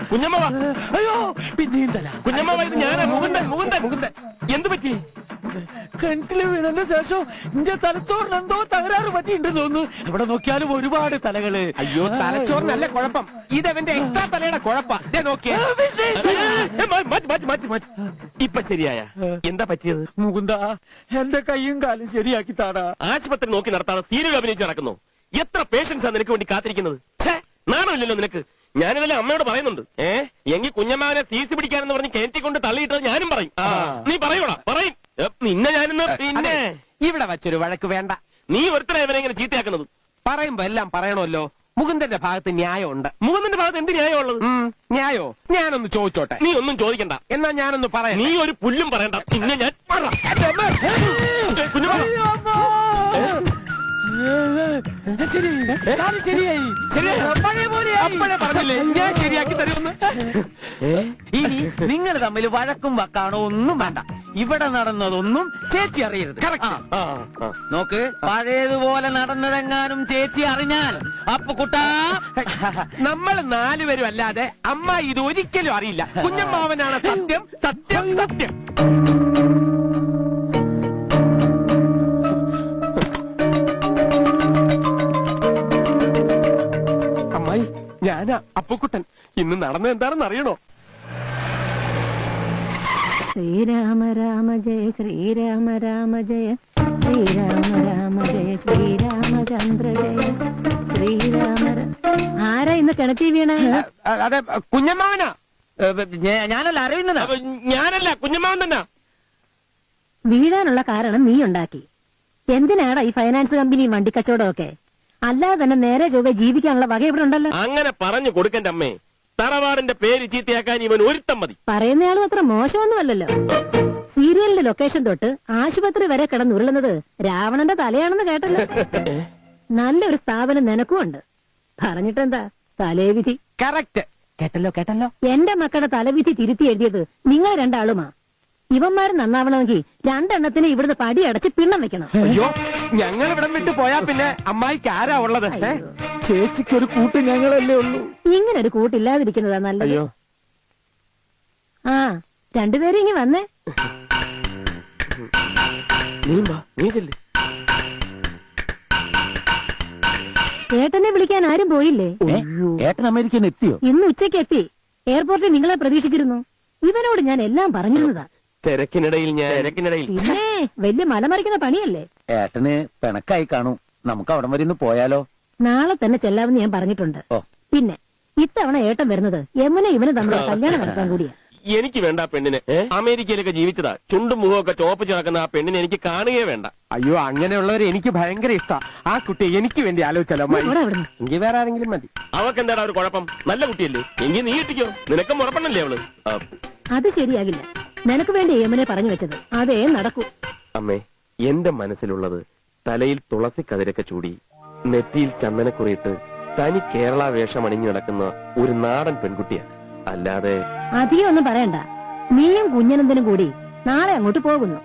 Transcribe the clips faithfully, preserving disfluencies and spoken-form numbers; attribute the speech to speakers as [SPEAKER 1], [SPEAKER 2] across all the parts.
[SPEAKER 1] കുഞ്ഞമ്മ
[SPEAKER 2] അയ്യോ പിന്നെയും തല.
[SPEAKER 1] കുഞ്ഞമ്മ ഇത് ഞാനാ മുകുന്ദൻ മുകുന്ദൻ മുകുന്ദൻ. എന്ത് പറ്റി?
[SPEAKER 2] കിണറ്റില് വീണതിന് ശേഷം എന്റെ തലച്ചോറിന് എന്തോ തകരാറ് പറ്റിയിട്ടുണ്ടെന്ന് തോന്നുന്നു. ഇവിടെ നോക്കിയാലും ഒരുപാട് തലകള്.
[SPEAKER 1] അയ്യോ തലച്ചോറിനല്ല കുഴപ്പം, ഇതെവന്റെ എക്സ്ട്രാ തലയുടെ കുഴപ്പാ. നോക്കിയേ മാറ്റി മാറ്റി മാറ്റി മാറ്റി. ഇപ്പൊ ശരിയായ? എന്താ പറ്റിയത്?
[SPEAKER 2] മുകുന്ദ എന്റെ കൈയും കാലും ശരിയാക്കി താടാ.
[SPEAKER 1] ആശുപത്രി നോക്കി നടത്താതെ സീരിയൽ അഭിനയിച്ച് നടക്കുന്നു. എത്ര പേഷ്യൻസാ നിനക്ക് വേണ്ടി കാത്തിരിക്കുന്നത്? നാണമില്ലല്ലോ നിനക്ക്. ഞാനിതെല്ലാം അമ്മയോട് പറയുന്നുണ്ട്. ഏ എങ്കിൽ കുഞ്ഞമ്മാവനെ സീസി പിടിക്കാനെന്ന് പറഞ്ഞ് കയറ്റി കൊണ്ട് തള്ളിയിട്ടത് ഞാനും പറയും. നീ പറയൂടാ പറയും. നിന്നെ ഞാനിന്ന് പിന്നെ
[SPEAKER 3] ഇവിടെ വച്ചൊരു വഴക്ക് വേണ്ട.
[SPEAKER 1] നീ ഒരുത്തരെ ഇവനെ ഇങ്ങനെ ചീത്തയാക്കുന്നത്.
[SPEAKER 3] പറയുമ്പോ എല്ലാം പറയണമല്ലോ. മുകുന്ദന്റെ ഭാഗത്ത് ന്യായമുണ്ട്.
[SPEAKER 1] മുകുന്ദന്റെ ഭാഗത്ത് എന്ത് ന്യായമുള്ളത്?
[SPEAKER 3] ന്യായോ? ഞാനൊന്ന് ചോദിച്ചോട്ടെ.
[SPEAKER 1] നീ ഒന്നും ചോദിക്കണ്ട.
[SPEAKER 3] എന്നാ ഞാനൊന്ന് പറയാം.
[SPEAKER 1] നീ ഒരു പുല്ലും പറയണ്ട. പിന്നെ ഞാൻ
[SPEAKER 3] പറഞ്ഞില്ലേ ഞാൻ ശരിയാക്കി തരുമെന്ന്.
[SPEAKER 2] ഇനി നിങ്ങൾ തമ്മിൽ വഴക്കും വക്കാണോ ഒന്നും വേണ്ട. ഇവിടെ നടന്നതൊന്നും ചേച്ചി അറിയരുത്. നോക്ക്, പഴയതുപോലെ നടന്നതെങ്ങാനും ചേച്ചി അറിഞ്ഞാൽ അപ്പൊ കുട്ടാ
[SPEAKER 3] നമ്മൾ നാലുപേരും അല്ലാതെ അമ്മ ഇത് ഒരിക്കലും അറിയില്ല. കുഞ്ഞമ്മാവനാണ് സത്യം സത്യം സത്യം. അമ്മായി ഞാനാ അപ്പുക്കുട്ടൻ. ഇന്ന് നടന്നത് എന്താണെന്ന് അറിയണോ?
[SPEAKER 4] ശ്രീരാമ രാമ ജയ ശ്രീരാമ രാമ ജയ ശ്രീരാമ രാമ ജയ ശ്രീരാമചന്ദ്ര ജയ ശ്രീരാമ. ആരാ ഇന്ന് കിണറ്റി വീണ?
[SPEAKER 3] അതെ കുഞ്ഞമ്മാവനാ.
[SPEAKER 2] ഞാനല്ല അറിയുന്നതാ.
[SPEAKER 1] ഞാനല്ല കുഞ്ഞമ്മാവൻ തന്നെ.
[SPEAKER 4] വീഴാനുള്ള കാരണം നീ ഉണ്ടാക്കി. എന്തിനാടാ ഈ ഫൈനാൻസ് കമ്പനിയും വണ്ടിക്കച്ചവടം ഒക്കെ? അല്ലാതെ തന്നെ നേരെ ചൊവ്വേ ജീവിക്കാനുള്ള വക ഇവിടെ ഉണ്ടല്ലോ.
[SPEAKER 1] അങ്ങനെ പറഞ്ഞു കൊടുക്കണ്ട അമ്മേ. തറവാടിന്റെ പേര് ചീത്തയാക്കാൻ ഇവൻ ഒരുത്തം മതി.
[SPEAKER 4] പറയുന്നയാളും അത്ര മോശമൊന്നുമല്ലല്ലോ. സീരിയലിന്റെ ലൊക്കേഷൻ തൊട്ട് ആശുപത്രി വരെ കിടന്നുരുളുന്നത് രാവണന്റെ തലയാണെന്ന് കേട്ടല്ലോ. നല്ലൊരു സ്ഥാപനം നിനക്കും ഉണ്ട്. പറഞ്ഞിട്ടെന്താ തലേവിധി.
[SPEAKER 3] കറക്റ്റ്. കേട്ടല്ലോ കേട്ടല്ലോ.
[SPEAKER 4] എന്റെ മക്കളുടെ തലവിധി തിരുത്തി എഴുതിയത് നിങ്ങൾ രണ്ടാളുമാ. ഇവന്മാര് നന്നാവണമെങ്കിൽ രണ്ടെണ്ണത്തിന് ഇവിടുന്ന് പടി അടച്ച് പിണ്ണം വെക്കണം.
[SPEAKER 3] അയ്യോ ഞങ്ങൾ ഇവിടം വിട്ട് പോയാ പിന്നെ അമ്മായിക്ക് ആരാ ഉള്ളത്?
[SPEAKER 2] ചേച്ചിക്ക് ഒരു കൂട്ട് ഞങ്ങളല്ലേ ഉള്ളൂ.
[SPEAKER 4] ഇങ്ങനെ ഒരു കൂട്ടില്ലാതിരിക്കുന്നതാ നല്ലത്.
[SPEAKER 3] അയ്യോ
[SPEAKER 4] ആ രണ്ടുപേരും ഇങ്ങി വന്നേ. ഏട്ടനെ വിളിക്കാൻ ആരും പോയില്ലേ?
[SPEAKER 2] ഏട്ടൻ അമേരിക്കൻ എത്തിയോ?
[SPEAKER 4] ഇന്ന് ഉച്ചയ്ക്ക് എത്തി. എയർപോർട്ടിൽ നിങ്ങളെ പ്രതീക്ഷിച്ചിരുന്നു. ഇവനോട് ഞാൻ എല്ലാം പറഞ്ഞിരുന്നതാ.
[SPEAKER 1] തിരക്കിനിടയിൽ ഞാൻ തിരക്കിനിടയിൽ
[SPEAKER 4] പിന്നെ വലിയ മലമറിക്കുന്ന പണിയല്ലേ.
[SPEAKER 2] ഏട്ടന് പിണക്കായി കാണൂ. നമുക്ക് അവിടം വരെ ഒന്ന് പോയാലോ?
[SPEAKER 4] നാളെ തന്നെ ചെല്ലാമെന്ന് ഞാൻ പറഞ്ഞിട്ടുണ്ട്. പിന്നെ ഇത്തവണ ഏട്ടൻ വരുന്നത് യമുന ഇവന് തമ്മിൽ കല്യാണം നടത്താൻ കൂടിയാ.
[SPEAKER 1] എനിക്ക് വേണ്ട പെണ്ണിനെ. അമേരിക്കയിലൊക്കെ ജീവിച്ചതാ. ചുണ്ടും മുഖമൊക്കെ ചോപ്പിച്ച് നടക്കുന്ന ആ പെണ്ണിനെ എനിക്ക് കാണുകയേ വേണ്ട.
[SPEAKER 3] അയ്യോ അങ്ങനെയുള്ളവരെ എനിക്ക് ഭയങ്കര ഇഷ്ടാ. ആ കുട്ടി എനിക്ക് വേണ്ടി ആലോചിച്ചാലോ? എങ്കിൽ വേറെ ആരെങ്കിലും മതി.
[SPEAKER 1] അവക്ക് എന്താടാ ഒരു കുഴപ്പം? നല്ല കുട്ടിയല്ലേ? എങ്കിൽ നീ കിട്ടിക്കോ. നിനക്കും ഉറപ്പണല്ലേ അവള്?
[SPEAKER 4] അത് ശരിയാകില്ല. നിനക്ക് വേണ്ടി യമുനെ പറഞ്ഞു വെച്ചത് അതേ നടക്കൂ.
[SPEAKER 1] അമ്മേ എന്റെ മനസ്സിലുള്ളത് തലയിൽ തുളസി കതിരൊക്കെ ചൂടി നെറ്റിയിൽ ചന്ദനക്കുറിയിട്ട് തനി കേരള വേഷം അണിഞ്ഞു നടക്കുന്ന ഒരു നാടൻ പെൺകുട്ടിയാ. അല്ലാതെ
[SPEAKER 4] അധികം ഒന്നും പറയണ്ട. നീയും കുഞ്ഞനന്ദനും കൂടി നാളെ അങ്ങോട്ട് പോകുന്നു.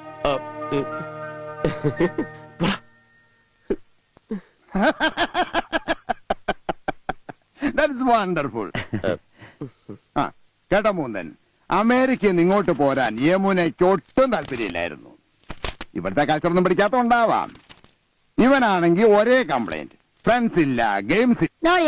[SPEAKER 5] കേട്ടോ മൂന്നൻ, അമേരിക്കയിൽ നിന്ന് ഇങ്ങോട്ട് പോരാൻ യമുനയ്ക്ക് ഒട്ടും താല്പര്യമില്ലായിരുന്നു. ഇവിടുത്തെ കൾച്ചറൊന്നും പിടിക്കാത്തോണ്ടാവാം. ഇവനാണെങ്കിൽ ഒരേ കംപ്ലൈന്റ്. ഫ്രണ്ട്സ് ഇല്ല, ഗെയിംസ്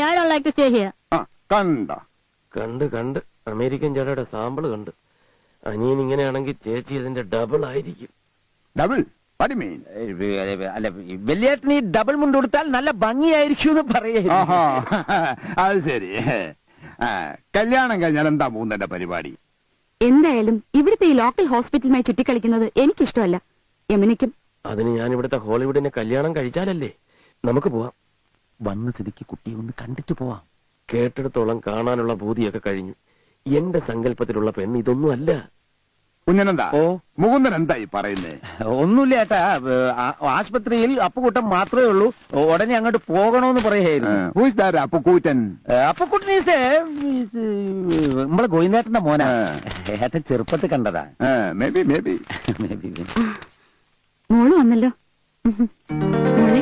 [SPEAKER 5] കണ്ടോ?
[SPEAKER 1] കണ്ട് കണ്ട് അമേരിക്കൻ ചേട്ടയുടെ സാമ്പിള് കണ്ട്. അനിയൻ ഇങ്ങനെയാണെങ്കിൽ ചേച്ചി ഇതിന്റെ ഡബിൾ ആയിരിക്കും.
[SPEAKER 5] ഡബിൾ? പടിമീൻ
[SPEAKER 2] അല്ല, വലിയേട്ടന് ഈ ഡബിൾ മുണ്ട് കൊടുത്താൽ നല്ല ഭംഗിയായിരിക്കും എന്ന് പറയാ.
[SPEAKER 5] അത് ശരി. കല്യാണം കഴിഞ്ഞാൽ എന്താ മൂന്നന്റെ പരിപാടി?
[SPEAKER 6] എന്തായാലും ഇവിടുത്തെ ഈ ലോക്കൽ ഹോസ്പിറ്റലുമായി ചുറ്റിക്കളിക്കുന്നത് എനിക്കിഷ്ടമല്ല. യമുനയ്ക്കും.
[SPEAKER 1] അതിന് ഞാൻ ഇവിടുത്തെ ഹോളിവുഡിനെ കല്യാണം കഴിച്ചാലല്ലേ നമുക്ക് പോവാം.
[SPEAKER 2] വന്ന സ്ഥിതിക്ക് കുട്ടിയെ ഒന്ന് കണ്ടിട്ട് പോവാം.
[SPEAKER 1] കേട്ടിടത്തോളം കാണാനുള്ള ഭൂതിയൊക്കെ കഴിഞ്ഞു. എന്റെ സങ്കല്പത്തിലുള്ള പെണ്ണ് ഇതൊന്നും അല്ല.
[SPEAKER 5] കുഞ്ഞനെന്താ? ഓ മുകുന്ദൻ എന്താ ഈ പറയുന്നേ?
[SPEAKER 2] ഒന്നുമില്ല ഏട്ടാ. ആശുപത്രിയിൽ അപ്പുകൂട്ടൻ മാത്രമേ ഉള്ളൂ. ഉടനെ അങ്ങോട്ട് പോകണോന്ന് പറയായിരുന്നു.
[SPEAKER 5] അപ്പുകൂറ്റൻ?
[SPEAKER 2] അപ്പുക്കുട്ടൻ നമ്മളെ ഗോവിന്ദേട്ടന്റെ മോനാ. ഏട്ടൻ ചെറുപ്പത്തിൽ കണ്ടതാ.
[SPEAKER 5] Maybe maybe
[SPEAKER 2] maybe.
[SPEAKER 6] മോള് വന്നല്ലോ. മോളെ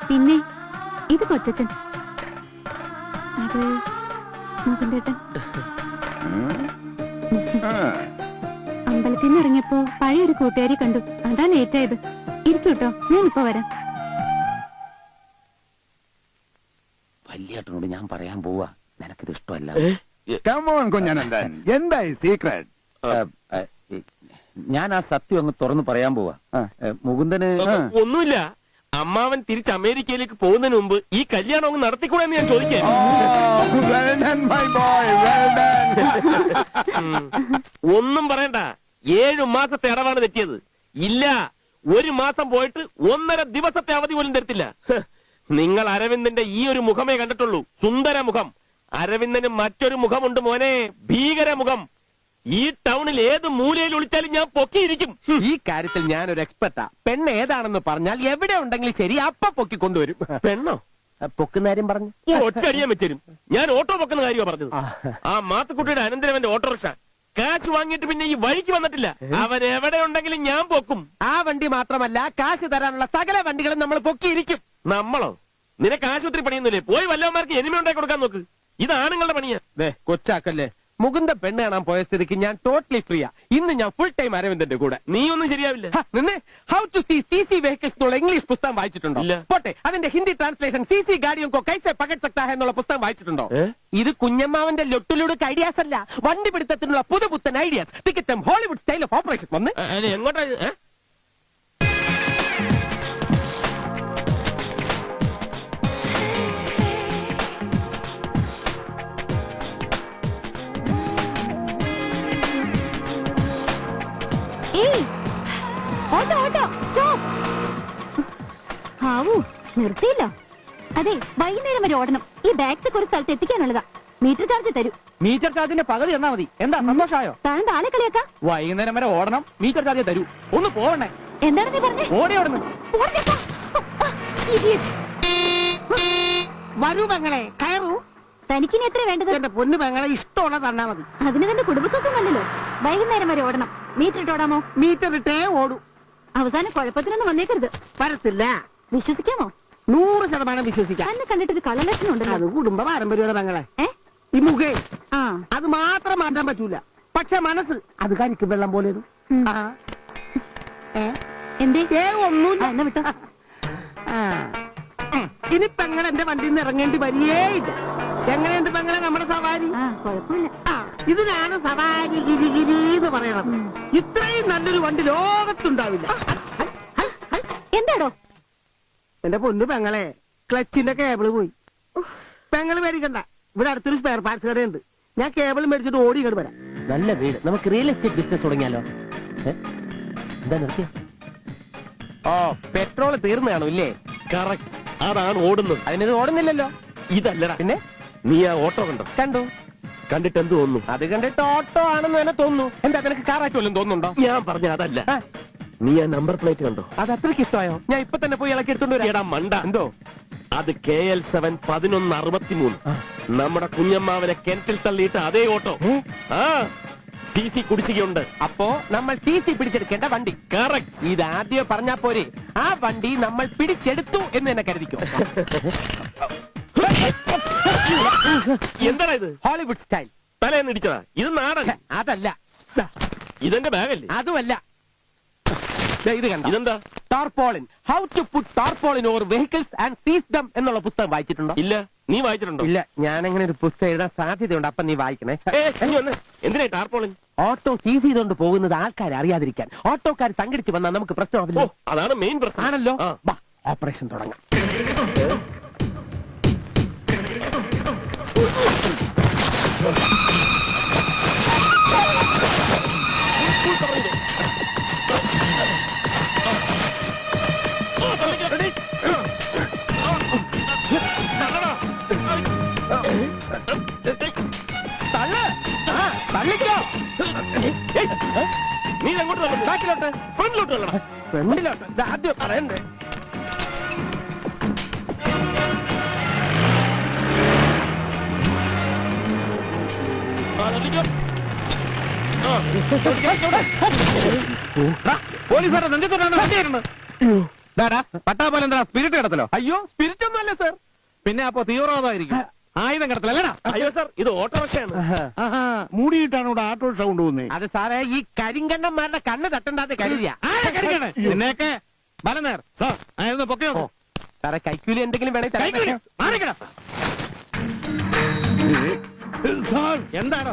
[SPEAKER 6] പിന്നെ ഇത് കൊച്ചച്ഛൻ, അത് മുകുന്ദേട്ടൻ. അമ്പലത്തിൽ നിന്ന് ഇറങ്ങിയപ്പോ പഴയൊരു കൂട്ടുകാരി കണ്ടു, അതാ ലേറ്റ് ആയത്. ഇരിക്കൂട്ടോ, ഞാനിപ്പോ വരാം.
[SPEAKER 2] വല്യേട്ടനോട് ഞാൻ പറയാൻ പോവാ, നിനക്കിത് ഇഷ്ടമല്ല.
[SPEAKER 5] കമോൺ കുഞ്ഞനന്ദൻ, എന്തായി സീക്രട്ട്?
[SPEAKER 2] ഞാൻ ആ സത്യം അങ്ങ് തുറന്നു പറയാൻ പോവാ. മുകുന്ദന്
[SPEAKER 1] ഒന്നുമില്ല, അമ്മാവൻ തിരിച്ച് അമേരിക്കയിലേക്ക് പോകുന്നതിന് മുമ്പ് ഈ കല്യാണം അങ്ങ് നടത്തിക്കൂടെ എന്ന് ഞാൻ ചോദിക്കാം. ഒന്നും പറയണ്ട, ഏഴു മാസത്തെ അടവാണ് തെറ്റിയത്. ഇല്ല, ഒരു മാസം പോയിട്ട് ഒന്നര ദിവസത്തെ അവധി പോലും തരത്തില്ല. നിങ്ങൾ അരവിന്ദന്റെ ഈ ഒരു മുഖമേ കണ്ടിട്ടുള്ളൂ, സുന്ദര മുഖം. അരവിന്ദന് മറ്റൊരു മുഖമുണ്ട് മോനെ, ഭീകര മുഖം. ഈ ടൗണിൽ ഏത് മൂലയിൽ ഒളിച്ചാലും ഞാൻ പൊക്കിയിരിക്കും.
[SPEAKER 3] ഈ കാര്യത്തിൽ ഞാനൊരു എക്സ്പെർട്ടാ. പെണ്ണ് ഏതാണെന്ന് പറഞ്ഞാൽ എവിടെ ഉണ്ടെങ്കിലും ശരി അപ്പ പൊക്കി കൊണ്ടുവരും.
[SPEAKER 1] പെണ്ണോ?
[SPEAKER 3] പൊക്കുന്ന കാര്യം പറഞ്ഞു
[SPEAKER 1] ഒറ്റടിയാൻ വെച്ചരും. ഞാൻ ഓട്ടോ പൊക്കുന്ന കാര്യമാണ് പറഞ്ഞത്. ആ മാത്തുക്കുട്ടിയുടെ അനന്തരവന്റെ ഓട്ടോറിക്ഷ കാശ് വാങ്ങിയിട്ട് പിന്നെ ഈ വഴിക്ക് വന്നിട്ടില്ല. അവൻ എവിടെ ഉണ്ടെങ്കിലും ഞാൻ പൊക്കും.
[SPEAKER 3] ആ വണ്ടി മാത്രമല്ല, കാശ് തരാനുള്ള സകല വണ്ടികളും നമ്മൾ പൊക്കിയിരിക്കും.
[SPEAKER 1] നമ്മളോ? നിനക്ക് ആശുപത്രി പണിയൊന്നുമില്ലേ? പോയി വല്ലവന്മാർക്ക് എനിമ ഉണ്ടാക്കി കൊടുക്കാൻ നോക്ക്. ഇത് ആണുങ്ങളുടെ പണിയാ.
[SPEAKER 3] കൊച്ചാക്കല്ലേ, മുകുന്ദ പെണ്ണ് കാണാൻ പോയ സ്ഥിതിക്ക് ഞാൻ ടോട്ടലി ഫ്രീയാ. ഇന്ന് ഞാൻ ഫുൾ ടൈം അരവിന്ദന്റെ കൂടെ.
[SPEAKER 1] നീ ഒന്നും ശരിയാവില്ല.
[SPEAKER 3] How to see C C vehicles എന്നുള്ള ഇംഗ്ലീഷ് പുസ്തകം വായിച്ചിട്ടുണ്ടോ?
[SPEAKER 1] ഇല്ല.
[SPEAKER 3] പോട്ടെ, അതിന്റെ ഹിന്ദി ട്രാൻസ്ലേഷൻ സി സി ഗാഡിയോ കോ കൈസെ പകട് സക്താ ഹൈ എന്നുള്ള പുസ്തകം വായിച്ചിട്ടുണ്ടോ? ഇത് കുഞ്ഞമ്മാവന്റെ ലൊട്ടുലുടുക്ക് ഐഡിയാസ് അല്ല, വണ്ടി പിടുത്തത്തിനുള്ള പുതുപുത്തൻ ഐഡിയാസ്. ടിക്കറ്റും ഹോളിവുഡ് സ്റ്റൈൽ ഓഫ് ഓപ്പറേഷൻ വന്ന്
[SPEAKER 1] എങ്ങോട്ടാ?
[SPEAKER 6] Auto auto stop. ഹാവൂ, നിർത്തിയില്ല. അതെ, വൈകുന്നേരം വരെ ഓടണം. ഈ ബാഗ്സ് ഒരു സ്ഥലത്ത് എത്തിക്കാനുള്ളതാ. മീറ്റർ ചാർജ് തരൂ.
[SPEAKER 3] മീറ്റർ ചാർജിന്റെ പകുതി തന്നാ മതി. എന്താ സന്തോഷമായോ?
[SPEAKER 6] താൻ ആളെ കളിയാക്കാ.
[SPEAKER 3] വൈകുന്നേരം വരെ ഓടണം, മീറ്റർ ചാർജ് തരൂ. ഒന്ന് പോകണേ.
[SPEAKER 6] എന്താണ് നീ പറഞ്ഞേ?
[SPEAKER 3] ഓടി ഓടുന്നു. വരൂ പെങ്ങളെ, കയറൂ.
[SPEAKER 6] തനിക്കിനി എത്ര വേണ്ടത്?
[SPEAKER 3] എന്റെ പൊന്നു പെങ്ങളെ, ഇഷ്ടമുള്ള തന്നാ മതി.
[SPEAKER 6] അതിന് തന്നെ കുടുംബസ്വത്വമല്ലല്ലോ. വൈകുന്നേരം വരെ ഓടണം. മീറ്റർ ഇട്ടോടാമോ?
[SPEAKER 3] മീറ്റർ ഇട്ടേ ഓടൂ.
[SPEAKER 6] അവസാനം കുഴപ്പത്തിനൊന്നും വന്നേക്കരുത്.
[SPEAKER 3] വരത്തില്ല.
[SPEAKER 6] വിശ്വസിക്കാമോ?
[SPEAKER 3] നൂറ് ശതമാനം വിശ്വസിക്കാം.
[SPEAKER 6] തന്നെ കണ്ടിട്ടൊരു കള്ളലക്ഷണം ഉണ്ടല്ലോ.
[SPEAKER 3] അത് കുടുംബ പാരമ്പര്യമാണ് പെങ്ങളെ.
[SPEAKER 6] ഏ
[SPEAKER 3] ഈ മുഖേ
[SPEAKER 6] ആ
[SPEAKER 3] അത് മാത്രം മാറ്റാൻ പറ്റൂല. പക്ഷെ മനസ്സ് അത് കരിക്കും വെള്ളം പോലെ.
[SPEAKER 6] എന്തേ?
[SPEAKER 3] ഏ ഒന്നുമില്ല.
[SPEAKER 6] എന്നാ വിട്ടോ.
[SPEAKER 3] ഇനി പെങ്ങളെ എന്റെ വണ്ടിയിൽ നിന്ന് ഇറങ്ങേണ്ടി വരികേയില്ല. എങ്ങനെയുണ്ട് പെങ്ങളെ നമ്മുടെ സവാരി?
[SPEAKER 6] ആ കുഴപ്പമില്ല.
[SPEAKER 3] ഇതിനാണ് സവാരി ഗിരിഗിരി എന്ന് പറയണത്. ഇത്രയും നല്ലൊരു വണ്ടി ലോകത്തുണ്ടാവില്ല.
[SPEAKER 6] എന്താടോ?
[SPEAKER 3] എന്റെ പൊന്നു പെങ്ങളെ, ക്ലച്ചിന്റെ കേബിള് പോയി. പെങ്ങള് മേടിക്കണ്ട, ഇവിടെ അടുത്തൊരു സ്പെയർ പാർട്സ് കടയുണ്ട്. ഞാൻ കേബിൾ മേടിച്ചിട്ട് ഓടി ഇങ്ങോട്ട് വരാം. നല്ല വീട്, നമുക്ക് റിയൽ എസ്റ്റേറ്റ് ബിസിനസ് തുടങ്ങിയാലോ? എന്താ നിർത്തിയ? ഓ, പെട്രോൾ തീർന്നു കാണും ഇല്ലേ?
[SPEAKER 1] കറക്റ്റ്, അതാണ് ഓടുന്നത്.
[SPEAKER 3] അതിനത് ഓടുന്നില്ലല്ലോ.
[SPEAKER 1] ഇതല്ലടാ.
[SPEAKER 3] പിന്നെ
[SPEAKER 1] നീ ആ ഓട്ടോ കണ്ടോ?
[SPEAKER 3] കണ്ടു.
[SPEAKER 1] കണ്ടിട്ട് എന്ത് തോന്നുന്നു?
[SPEAKER 3] അത് കണ്ടിട്ട് ഓട്ടോ ആണെന്ന് തന്നെ തോന്നുന്നു. എന്താ നിനക്ക് കാറായിട്ട് വല്ലതും തോന്നുന്നുണ്ടോ?
[SPEAKER 1] ഞാൻ പറഞ്ഞ അതല്ല. നീ ആ നമ്പർ പ്ലേറ്റ് കണ്ടോ?
[SPEAKER 3] അത് അത്രയ്ക്ക് ഇഷ്ടമായോ? ഞാൻ ഇപ്പൊ തന്നെ പോയി ഇളക്കി എടുത്തോണ്ട് വരാം.
[SPEAKER 1] എടാ മണ്ട,
[SPEAKER 3] എന്തോ?
[SPEAKER 1] അത് കെ എൽ സെവൻ പതിനൊന്ന് അറുപത്തിമൂന്ന്. നമ്മുടെ കുഞ്ഞമ്മാവനെ കിണറ്റിൽ തള്ളിയിട്ട് അതേ ഓട്ടോ. ആ ടി സി കുടിശ്ശികയുണ്ട്.
[SPEAKER 3] അപ്പോ നമ്മൾ ടി സി പിടിച്ചെടുക്കേണ്ട വണ്ടി.
[SPEAKER 1] കറക്റ്റ്.
[SPEAKER 3] ഇത് ആദ്യം പറഞ്ഞാ പോരെ, ആ വണ്ടി നമ്മൾ പിടിച്ചെടുത്തു എന്ന് തന്നെ കരുതിക്കോ.
[SPEAKER 1] എന്താ ഇത്?
[SPEAKER 3] Hollywood style.
[SPEAKER 1] തലേന്ന് ഇടിച്ചതാ. ഇത് നാടൻ.
[SPEAKER 3] അതല്ല,
[SPEAKER 1] ഇതെന്റെ ബാഗല്ലേ?
[SPEAKER 3] അതുമല്ല. ഇത് കണ്ട,
[SPEAKER 1] ഇതെന്താ?
[SPEAKER 3] Tarpaulin. How to put tarpaulin over vehicles and seize them എന്നുള്ള പുസ്തകം വായിച്ചിട്ടുണ്ടോ?
[SPEAKER 1] ഇല്ല. നീ വായിച്ചിട്ടുണ്ടോ?
[SPEAKER 3] ഇല്ല. ഞാൻ അങ്ങനെ ഒരു പുസ്തകം എഴുതാൻ സാധ്യതയുണ്ട്. അപ്പൊ നീ വായിക്കണേ.
[SPEAKER 1] എന്തിനാ ടാർപോളിൻ?
[SPEAKER 3] ഓട്ടോ സീസ് ചെയ്തുകൊണ്ട് പോകുന്നത് ആൾക്കാർ അറിയാതിരിക്കാൻ. ഓട്ടോക്കാർ സംഘടിച്ച് വന്നാൽ നമുക്ക് പ്രശ്നമാവില്ല.
[SPEAKER 1] അതാണ് മെയിൻ പ്രശ്നം.
[SPEAKER 3] ആണല്ലോ. ഓപ്പറേഷൻ തുടങ്ങാം.
[SPEAKER 1] നീ എങ്ങോട്ട്?
[SPEAKER 3] ബാക്കിലോട്ട്.
[SPEAKER 1] ഫ്രണ്ടിലോട്ട് തള്ളണം.
[SPEAKER 3] ഫ്രണ്ടിലോട്ട്. ഇത് ആദ്യം പറയണ്ടേ.
[SPEAKER 1] പോലീസുകാരെ നെഞ്ചത്തോട്ടാണ് വണ്ടി വരുന്നത്.
[SPEAKER 2] പട്ടാ പോലെ എന്താ സ്പിരിറ്റ് കിടത്തലോ?
[SPEAKER 1] അയ്യോ സ്പിരിറ്റ് ഒന്നും അല്ല സാർ.
[SPEAKER 2] പിന്നെ അപ്പൊ തീവ്രവാദമായിരിക്കും. ആയുധം കിടത്തലല്ലടാ.
[SPEAKER 1] അയ്യോ സാർ, ഇത് ഓട്ടോറിക്ഷയാണ്.
[SPEAKER 5] മൂടിയിട്ടാണ് ഇവിടെ ആട്ടോറിക്ഷ കൊണ്ടുപോകുന്നത്.
[SPEAKER 3] അത് സാറേ ഈ കരിങ്കണ്ണന്മാരുടെ കണ്ണ് തട്ടണ്ടാന്ന് കരുതിയ
[SPEAKER 2] എന്നേക്കെ ബലനേർ സാർ ആയിരുന്നു പൊക്കെ
[SPEAKER 3] സാറേ കൈക്കൂലി എന്തെങ്കിലും വേണമെങ്കിൽ
[SPEAKER 2] എന്താണോ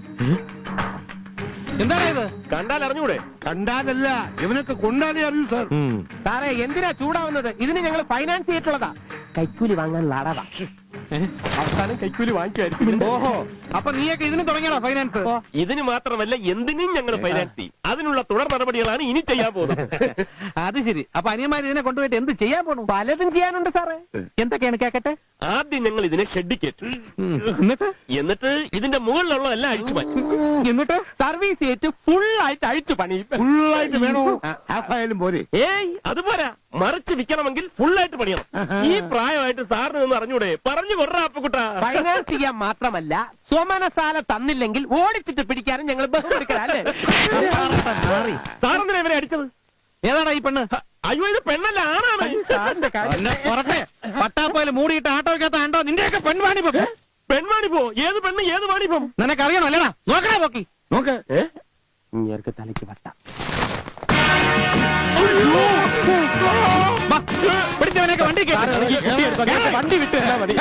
[SPEAKER 2] എന്താണ് ഇത്?
[SPEAKER 1] കണ്ടാൽ അറിഞ്ഞൂടെ?
[SPEAKER 5] കണ്ടാലല്ല, ഇവനൊക്കെ കൊണ്ടാലേ അറിയൂ സാർ.
[SPEAKER 3] സാറേ എന്തിനാ ചൂടാവുന്നത്? ഇതിന് ഞങ്ങൾ ഫൈനാൻസ് ചെയ്തിട്ടുള്ളതാ. കൈക്കൂലി വാങ്ങാനുള്ള അടവാ.
[SPEAKER 1] അവസാനം കൈക്കൂലി വാങ്ങിക്കുമായിരിക്കും.
[SPEAKER 2] ഓഹോ, അപ്പൊ നീയൊക്കെ ഇതിന് തുടങ്ങിയടാ ഫൈനാൻസ്?
[SPEAKER 1] ഇതിന് മാത്രമല്ല എന്തിനും ഞങ്ങൾ ഫൈനാൻസ് ചെയ്യും. അതിനുള്ള തുടർ നടപടികളാണ് ഇനി ചെയ്യാൻ പോകുന്നത്.
[SPEAKER 2] അത് ശരി. അപ്പൊ അനിയന്മാർ ഇതിനെ കൊണ്ടുപോയിട്ട് എന്ത് ചെയ്യാൻ പോണു?
[SPEAKER 3] പലതും ചെയ്യാനുണ്ട് സാറേ. എന്തൊക്കെയാണ് കേക്കട്ടെ?
[SPEAKER 1] ആദ്യം ഞങ്ങൾ ഇതിനെ ഷെഡിക്കേറ്റ്,
[SPEAKER 2] എന്നിട്ട്
[SPEAKER 1] എന്നിട്ട് ഇതിന്റെ മുകളിലുള്ളതെല്ലാം അഴിച്ചു മാറ്റും.
[SPEAKER 3] എന്നിട്ട് സർവീസ് ചെയ്തിട്ട് ഫുൾ ആയിട്ട് അഴിച്ചു പണിയും.
[SPEAKER 5] ഫുള്ളായിട്ട് വേണോ? ഹാഫായാലും പോരെ?
[SPEAKER 1] ഏയ് അതുപോരാ, മറിച്ച് വിൽക്കണമെങ്കിൽ ഫുള്ളായിട്ട് പണിയണം. ഈ പ്രായമായിട്ട് സാറിന് നിന്ന് അറിഞ്ഞൂടെ? പറഞ്ഞു കൊറ അപ്പക്കുട്ടാ.
[SPEAKER 3] ഫൈനാൻസ് ചെയ്യാൻ മാത്രമല്ല, സ്വമനസാല തന്നില്ലെങ്കിൽ ഓടിച്ചിട്ട് പിടിക്കാനും ഞങ്ങൾ ബഹുമെടുക്കലല്ലേ?
[SPEAKER 1] സാറെന്തിനാ ഇവരെ അടിച്ചത്?
[SPEAKER 2] ഏതാടാ ഈ പെണ്ണ്?
[SPEAKER 1] അയ്യോ ഇത് പെണ്ണല്ല, ആണാണ്.
[SPEAKER 2] പട്ടാപ്പോയിൽ മൂടിയിട്ട് ആട്ടോ വെക്കാത്ത ആണ്ടോ നിന്റെയൊക്കെ പെൺവാണിപ്പം.
[SPEAKER 1] പെൺവാണിപ്പോ? ഏത് പെണ്ണ് ഏത് വാണിപ്പം?
[SPEAKER 2] നിനക്കറിയണോ അല്ലടാ? നോക്കണേ നോക്കി
[SPEAKER 5] നോക്ക്.
[SPEAKER 3] ഇങ്ങേർക്ക് തലയ്ക്ക് വട്ട.
[SPEAKER 2] പിടിച്ചവനൊക്കെ വണ്ടി
[SPEAKER 3] വണ്ടി വിട്ട് തരാ മതി.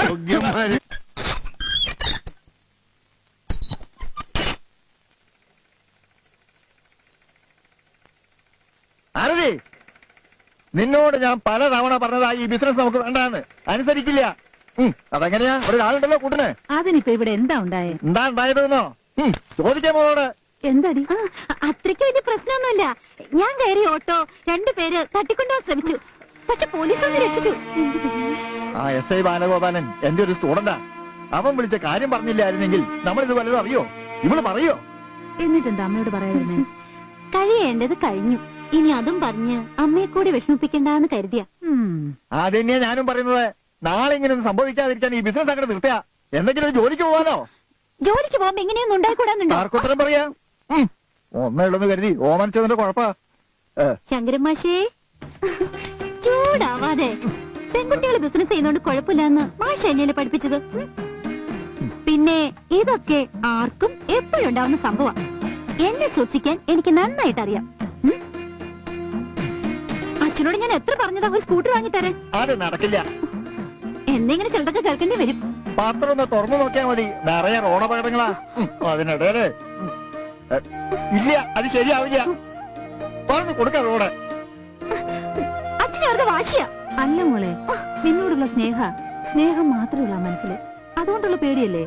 [SPEAKER 5] ആരതി, നിന്നോട് ഞാൻ പല തവണ പറഞ്ഞതാ ഈ ബിസിനസ് നമുക്ക് വേണ്ടാന്ന്. അനുസരിക്കില്ല. അതെങ്ങനെയാ? ഒരാളുണ്ടല്ലോ കൂട്ടിന്.
[SPEAKER 6] അതിനിപ്പോ ഇവിടെ എന്താ ഉണ്ടായേ?
[SPEAKER 5] എന്താ ഉണ്ടായതെന്നോ ചോദിക്കാൻ മോളോട്.
[SPEAKER 6] എന്താടി? അത്രയ്ക്ക് വലിയ പ്രശ്നമൊന്നുമില്ല. ഞാൻ കയറി ഓട്ടോ രണ്ടുപേര് തട്ടിക്കൊണ്ടുപോകാൻ ശ്രമിച്ചു. പക്ഷെ പോലീസ് ഒന്ന് രക്ഷിച്ചു.
[SPEAKER 5] ആ എസ് ഐ ബാലഗോപാലൻ എന്റെ ഒരു സ്റ്റുഡന്റാ. അവൻ വിളിച്ച കാര്യം പറഞ്ഞില്ലായിരുന്നെങ്കിൽ നമ്മൾ ഇത് വല്ലതും അറിയോ? ഇവള് പറയോ?
[SPEAKER 6] എന്നിട്ടെന്താ അമ്മയോട് പറയാതിരുന്നേ? കഴിയേണ്ടത് കഴിഞ്ഞു. ഇനി അതും പറഞ്ഞ് അമ്മയെ കൂടി വിഷമിപ്പിക്കണ്ടെന്ന് കരുതിയ.
[SPEAKER 5] അത് തന്നെയാ ഞാനും പറയുന്നത്. നാളെ ഇങ്ങനെ ഒന്നും സംഭവിക്കാതിരിക്കാൻ ഈ ബിസിനസ് അങ്ങനെ നിർത്തിയാ എന്തെങ്കിലും ഒരു ജോലിക്ക് പോകാനോ?
[SPEAKER 6] ജോലിക്ക് പോകുമ്പോ ഇങ്ങനെയൊന്നും ഉണ്ടായിക്കൂടാന്നുണ്ടോ?
[SPEAKER 5] ആർക്കുത്തരം പറയാ? ഒന്നേ ഉള്ളെന്ന് കരുതി ഓമനിച്ചതിന്റെ കുഴപ്പാ.
[SPEAKER 6] ശങ്കരൻ മാഷേ, ചൂടാവാതെ. പെൺകുട്ടികൾ ബിസിനസ് ചെയ്യുന്നോണ്ട് കുഴപ്പമില്ലെന്ന് മാഷ എന്നെ പഠിപ്പിച്ചത്. പിന്നെ ഇതൊക്കെ ആർക്കും എപ്പോഴും ഉണ്ടാവുന്ന സംഭവം. എന്നെ സൂക്ഷിക്കാൻ എനിക്ക് നന്നായിട്ട് അറിയാം. അച്ഛനോട് ഞാൻ എത്ര പറഞ്ഞതാ ഒരു സ്കൂട്ടർ വാങ്ങിത്തരാൻ?
[SPEAKER 5] അത് നടക്കില്ല.
[SPEAKER 6] എന്നെങ്ങനെ ചിലതൊക്കെ കേൾക്കേണ്ടി വരും.
[SPEAKER 5] പാത്രം ഒന്ന് തുറന്നു നോക്കിയാ മതി, നിറയെ റോഡപകടങ്ങളാ. അതിനിടയില് ഇല്ല, അത് ശരിയാവില്ല. പറഞ്ഞു കൊടുക്കാം റോഡ്.
[SPEAKER 6] അച്ഛനെ അവരുടെ വാശിയാ. അല്ല മോളെ, നിന്നോടുള്ള സ്നേഹ സ്നേഹം മാത്രമുള്ള മനസ്സില്, അതുകൊണ്ടുള്ള പേടിയല്ലേ?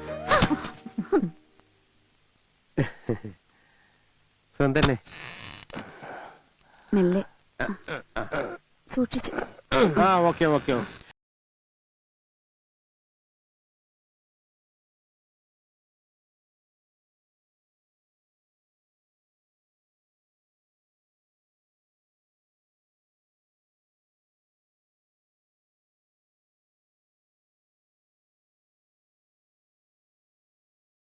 [SPEAKER 3] സ്വന്തന്നെ
[SPEAKER 6] മെല്ലെ സൂക്ഷിച്ചു.
[SPEAKER 3] ആ ഓക്കെ ഓക്കെ ഓക്കെ